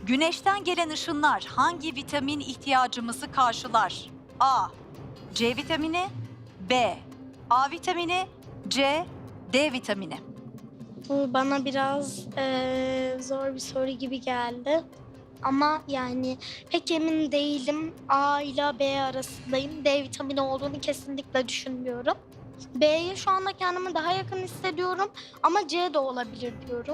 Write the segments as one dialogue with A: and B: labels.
A: Güneşten gelen ışınlar hangi vitamin ihtiyacımızı karşılar? A. C vitamini, B. A vitamini, C. D vitamini.
B: Bu bana biraz zor bir soru gibi geldi. Ama yani pek emin değilim. A ile B arasındayım. D vitamini olduğunu kesinlikle düşünmüyorum. B'ye şu anda kendimi daha yakın hissediyorum. Ama C de olabilir diyorum.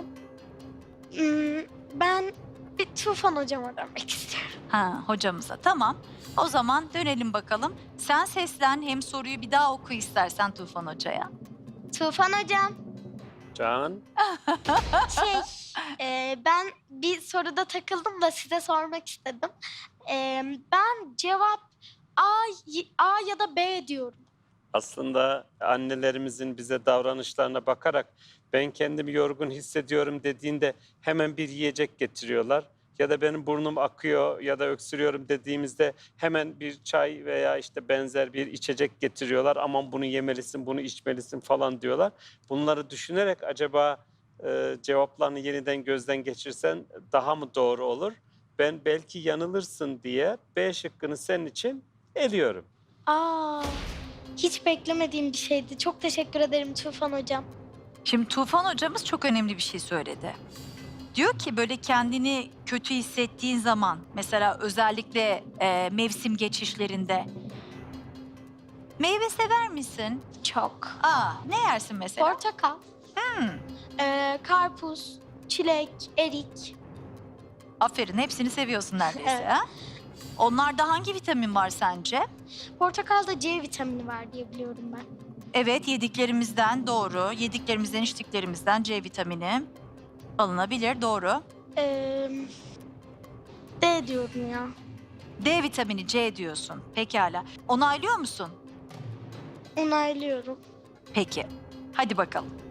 B: Ben bir Tufan hocama dönmek istiyorum.
A: Ha, hocamıza. Tamam. O zaman dönelim bakalım. Sen seslen, hem soruyu bir daha oku istersen Tufan Hoca'ya.
B: Tufan hocam,
C: Can,
B: ben bir soruda takıldım da size sormak istedim. Ben cevap A ya da B diyorum.
C: aslında annelerimizin bize davranışlarına bakarak ben kendimi yorgun hissediyorum dediğinde hemen bir yiyecek getiriyorlar. Ya da benim burnum akıyor ya da öksürüyorum dediğimizde hemen bir çay veya işte benzer bir içecek getiriyorlar. Aman bunu yemelisin, bunu içmelisin falan diyorlar. Bunları düşünerek acaba cevaplarını yeniden gözden geçirsen daha mı doğru olur? Ben belki yanılırsın diye B şıkkını senin için eliyorum.
B: Aa, hiç beklemediğim bir şeydi. Çok teşekkür ederim Tufan hocam.
A: Şimdi Tufan hocamız çok önemli bir şey söyledi. Diyor ki böyle kendini kötü hissettiğin zaman, mesela özellikle mevsim geçişlerinde, meyve sever misin?
B: Çok.
A: Aa, ne yersin mesela?
B: Portakal,
A: Hmm,
B: karpuz, çilek, erik.
A: aferin, hepsini seviyorsun neredeyse.
B: Evet.
A: Ha? Onlarda hangi vitamin var sence?
B: Portakalda C vitamini var diye biliyorum ben.
A: Evet, yediklerimizden doğru. Yediklerimizden, içtiklerimizden C vitamini alınabilir, doğru.
B: Ee, D diyorum ya.
A: D vitamini C diyorsun. Pekala. Onaylıyor musun?
B: Onaylıyorum.
A: Peki. Hadi bakalım.